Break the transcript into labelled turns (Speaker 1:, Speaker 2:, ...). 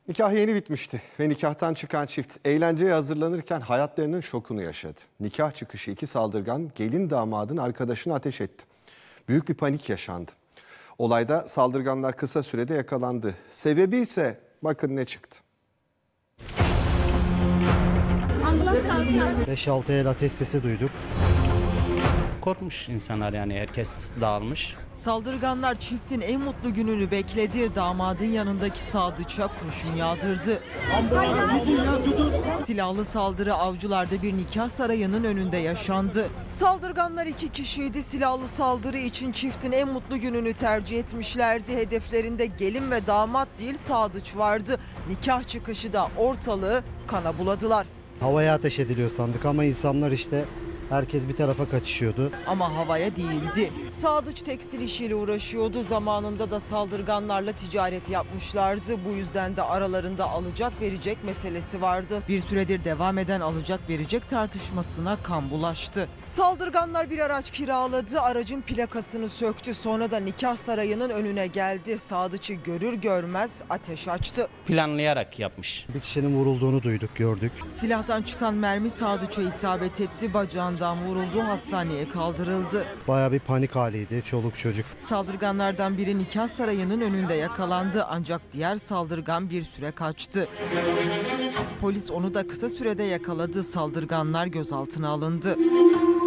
Speaker 1: Nikah yeni bitmişti ve nikahtan çıkan çift eğlenceye hazırlanırken hayatlarının şokunu yaşadı. Nikah çıkışı iki saldırgan gelin damadın arkadaşını ateş etti. Büyük bir panik yaşandı. Olayda saldırganlar kısa sürede yakalandı. Sebebi ise bakın ne çıktı.
Speaker 2: 5-6 el ateş sesi duyduk.
Speaker 3: Korkmuş insanlar, yani herkes dağılmış.
Speaker 4: Saldırganlar çiftin en mutlu gününü bekledi. Damadın yanındaki Sadıç'a kurşun yağdırdı. Silahlı saldırı Avcılar'da bir nikah sarayının önünde yaşandı. Saldırganlar iki kişiydi. Silahlı saldırı için çiftin en mutlu gününü tercih etmişlerdi. Hedeflerinde gelin ve damat değil Sadıç vardı. Nikah çıkışı da ortalığı kana buladılar.
Speaker 2: Havaya ateş ediliyor sandık ama insanlar işte herkes bir tarafa kaçışıyordu.
Speaker 4: Ama havaya değildi. Sadıç tekstil işiyle uğraşıyordu. Zamanında da saldırganlarla ticaret yapmışlardı. Bu yüzden de aralarında alacak verecek meselesi vardı. Bir süredir devam eden alacak verecek tartışmasına kan bulaştı. Saldırganlar bir araç kiraladı. Aracın plakasını söktü. Sonra da nikah sarayının önüne geldi. Sadıç'ı görür görmez ateş açtı.
Speaker 3: Planlayarak yapmış.
Speaker 2: Bir kişinin vurulduğunu duyduk, gördük.
Speaker 4: Silahtan çıkan mermi Sadıç'a isabet etti. Bacağından vuruldu, hastaneye kaldırıldı.
Speaker 2: Bayağı bir panik haliydi, çoluk çocuk.
Speaker 4: Saldırganlardan biri nikah sarayının önünde yakalandı ancak diğer saldırgan bir süre kaçtı. Polis onu da kısa sürede yakaladı. Saldırganlar gözaltına alındı.